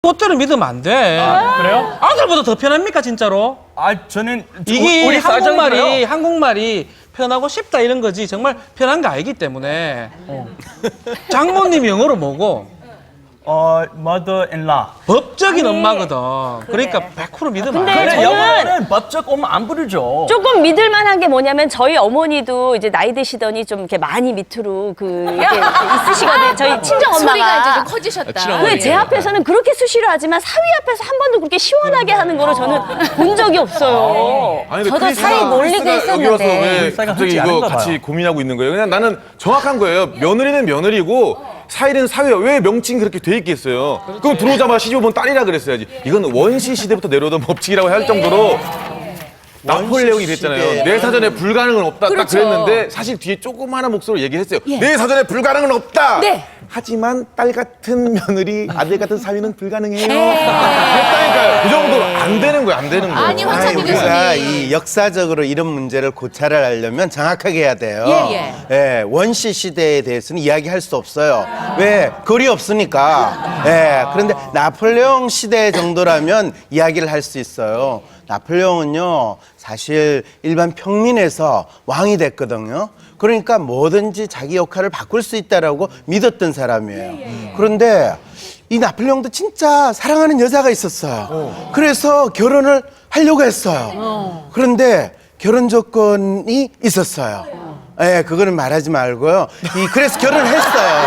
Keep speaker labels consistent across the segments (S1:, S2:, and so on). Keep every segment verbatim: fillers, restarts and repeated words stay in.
S1: 꽃들을 믿으면 안 돼.
S2: 아, 그래요?
S1: 아들보다 더 편합니까 진짜로?
S2: 아 저는
S1: 이게
S2: 우리
S1: 한국말이
S2: 쌀장인가요?
S1: 한국말이 편하고 쉽다 이런 거지 정말 편한 게 아니기 때문에 어. 장모님 영어로 뭐고?
S2: 어 mother-in-law.
S1: 법적인
S3: 아니,
S1: 엄마거든.
S3: 그래.
S1: 그러니까 백 퍼센트 믿으면
S3: 근데
S1: 안 돼.
S2: 근데
S3: 저는-
S2: 영어는 법적 엄마 안 부르죠.
S3: 조금 믿을만한 게 뭐냐면 저희 어머니도 이제 나이 드시더니 좀 이렇게 많이 밑으로 그 이렇게 있으시거든요. 저희 친정
S4: 소리가 이제
S3: 엄마가.
S4: 좀 커지셨다.
S3: 근데 제 앞에서는 그렇게 수시로 하지만 사위 앞에서 한 번도 그렇게 시원하게 하는 거를 저는 본 적이 없어요.
S5: 아니, 근데
S4: 저도
S5: 크리스가-
S4: 사이 놀리고
S5: 크리스가 여기 와서
S4: 했었는데.
S5: 왜
S2: 크리스가
S5: 갑자기
S2: 흔치
S5: 이거
S2: 않은가
S5: 같이
S2: 봐요.
S5: 고민하고 있는 거예요? 그냥 나는 정확한 거예요. 며느리는 며느리고 사위는 사위야. 왜 명칭이 그렇게 돼 있겠어요? 그럼 들어오자마자 시집오면 딸이라 그랬어야지. 이건 원시 시대부터 내려오던 법칙이라고 할 정도로 나폴레옹이 그랬잖아요. 내 사전에 불가능은 없다. 딱
S4: 그렇죠.
S5: 그랬는데 사실 뒤에 조그마한 목소리로 얘기했어요.
S4: 예.
S5: 내 사전에 불가능은 없다.
S4: 네.
S5: 하지만 딸 같은 며느리, 아들 같은 사위는 불가능해요. 그랬다니까요. 그 정도로 안 되는 거예요. 안 되는 거예요.
S4: 아니,
S6: 아니,
S4: 황찬미
S6: 우리가
S4: 교수님.
S6: 이 역사적으로 이런 문제를 고찰을 하려면 정확하게 해야 돼요.
S4: 예,
S6: 예, 원시 시대에 대해서는 이야기할 수 없어요. 왜? 거리 없으니까. 예, 그런데 나폴레옹 시대 정도라면 이야기를 할 수 있어요. 나폴레옹은요, 사실 일반 평민에서 왕이 됐거든요. 그러니까 뭐든지 자기 역할을 바꿀 수 있다라고 믿었던 사람이에요. 그런데 이 나폴레옹도 진짜 사랑하는 여자가 있었어요. 그래서 결혼을 하려고 했어요. 그런데 결혼 조건이 있었어요. 예, 그거는 말하지 말고요. 이 그래서 결혼을 했어요.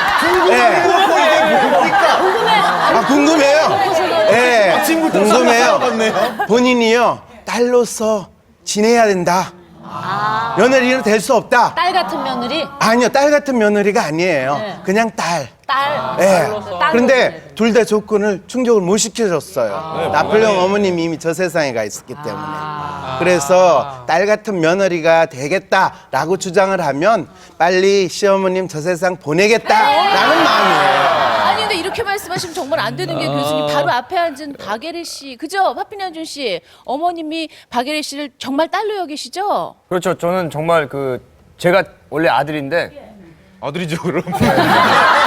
S6: 예. 아, 궁금해요. 예, 궁금해요. 본인이요, 딸로서 지내야 된다. 며느리는 될 수 없다.
S4: 딸 같은 며느리?
S6: 아니요, 딸 같은 며느리가 아니에요. 그냥 딸.
S4: 딸.
S6: 예. 그런데 둘 다 조건을 충족을 못 시켜줬어요. 나폴레옹 어머님이 이미 저 세상에 가 있었기 때문에. 그래서 딸 같은 며느리가 되겠다라고 주장을 하면 빨리 시어머님 저 세상 보내겠다라는 마음이에요.
S4: 아니 근데 이렇게 말씀하시면 정말 안 되는 게 교수님 바로 앞에 앉은 박예리 씨, 그죠? 파피난준 씨, 어머님이 박예리 씨를 정말 딸로 여기시죠?
S2: 그렇죠. 저는 정말 그 제가 원래 아들인데
S5: 아들이죠, 그럼.